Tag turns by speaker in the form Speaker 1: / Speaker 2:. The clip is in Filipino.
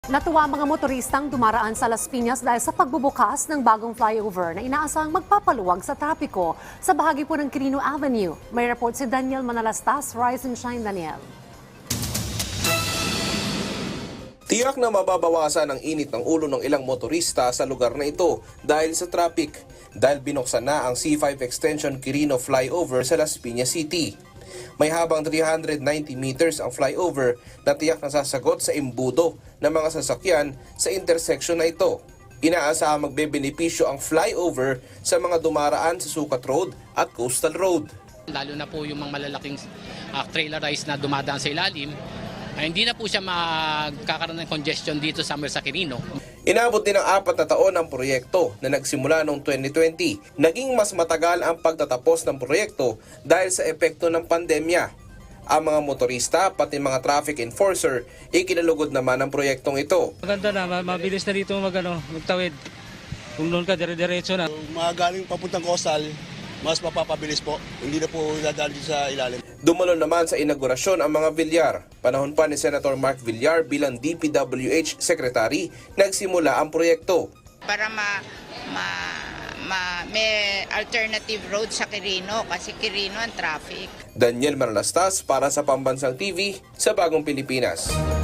Speaker 1: Natuwa ang mga motoristang dumaraan sa Las Piñas dahil sa pagbubukas ng bagong flyover na inaasahang magpapaluwag sa trapiko sa bahagi po ng Quirino Avenue. May report si Daniel Manalastas. Rise and shine, Daniel.
Speaker 2: Tiyak na mababawasan ang init ng ulo ng ilang motorista sa lugar na ito dahil sa traffic, dahil binuksan na ang C5 Extension Quirino Flyover sa Las Piñas City. May habang 390 meters ang flyover na tiyak na sasagot sa imbudo ng mga sasakyan sa intersection na ito. Inaasahang magbebenepisyo ang flyover sa mga dumaraan sa Sukat Road at Coastal Road.
Speaker 3: Lalo na po yung mga malalaking trailerized na dumadaan sa ilalim, hindi na po siya magkakaroon ng congestion dito sa Quirino.
Speaker 2: Inabot din ng 4 na taon ang proyekto na nagsimula noong 2020. Naging mas matagal ang pagtatapos ng proyekto dahil sa epekto ng pandemya. Ang mga motorista pati mga traffic enforcer ikinalugod naman ang proyektong ito.
Speaker 4: Maganda na, mabilis na dito magtawid. Kung doon ka, dire-diretso na.
Speaker 5: Kung mga galing papuntang coastal, mas mapapabilis po. Hindi na po dadaan dito sa ilalim.
Speaker 2: Dumalo naman sa inaugurasyon ang mga Villar. Panahon pa ni Senator Mark Villar bilang DPWH Secretary, nagsimula ang proyekto.
Speaker 6: Para may alternative road sa Quirino kasi Quirino ang traffic.
Speaker 2: Daniel Manalastas para sa Pambansang TV sa Bagong Pilipinas.